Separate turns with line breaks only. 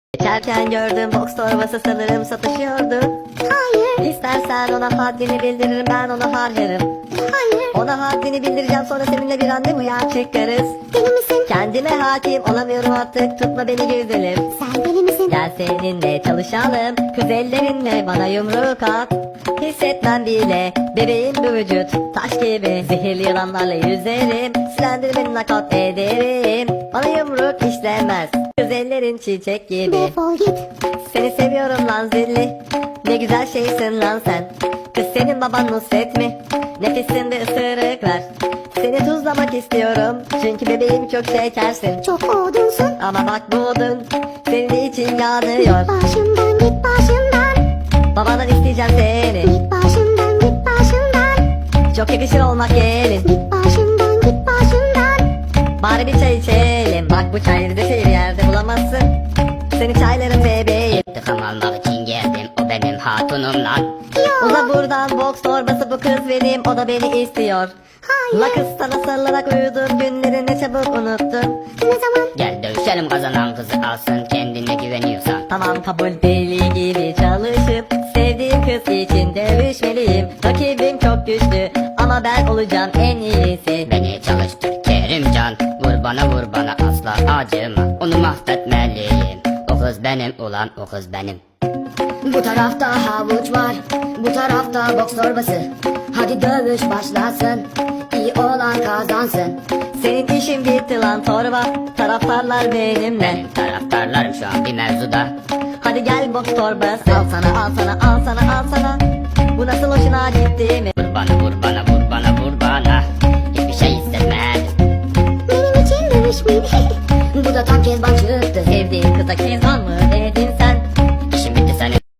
Geçerken gördüm boks torbası, sanırım satışıyordu.
Hayır,
İstersen ona haddini bildiririm, ben ona harcarım.
hayır.
Ona haddini bildireceğim, sonra seninle bir randevuya çıkarız.
Deli misin?
Kendime hakim olamıyorum artık, tutma beni güzelim.
Sen deli misin?
Gel seninle çalışalım, kız ellerinle bana yumruk at. Hissetmem bile bebeğim bu vücut, taş gibi. Zehirli yılanlarla yüzerim, silendir beni nakat ederim. Bana yumruk işlemez, kız ellerin çiçek gibi.
Defol git.
Seni seviyorum lan zilli, ne güzel şeysin lan sen. Kız senin baban Nusret mi? Nefisinde ısırık ver. Seni tuzlamak istiyorum, çünkü bebeğim çok şekersin.
Çok odunsun.
Ama bak bu odun senin için yanıyor.
Başımdan git başımdan.
Babadan isteyeceğim seni,
Git başımdan git başımdan.
çok yakışır olmak gelin.
Git başımdan git başımdan.
Bari bir çay içelim, bak bu çayları da şehir yerde bulamazsın. Seni çaylarım bebeğim.
İntikam almak için geldim, o benim hatunum lan.
Uza buradan, boks torbası bu kız benim, o da beni istiyor.
Hayır.
La kız sana sarılarak uyudum, günleri ne çabuk unuttun.
Ne zaman?
Gel dövüşelim, kazanan kızı alsın, kendine güveniyorsan.
Tamam kabul, deli gibi çalışıp sevdiğim kız için dövüşmeliyim. Rakibim çok güçlü ama ben olacağım en iyisi.
Beni çalıştır Kerimcan, vur bana asla acıma. Onu mahvetmeliyim, o kız benim ulan, o kız benim.
Bu tarafta havuç var, bu tarafta boks torbası. Hadi dövüş başlasın, iyi olan kazansın.
Senin işin bitti lan torba, taraftarlar benimle.
Benim taraftarlarım şu an bir mevzuda.
Hadi gel boks torbası, al sana al sana al sana al sana. Bu nasıl hoşuna gitti mi?
Vur bana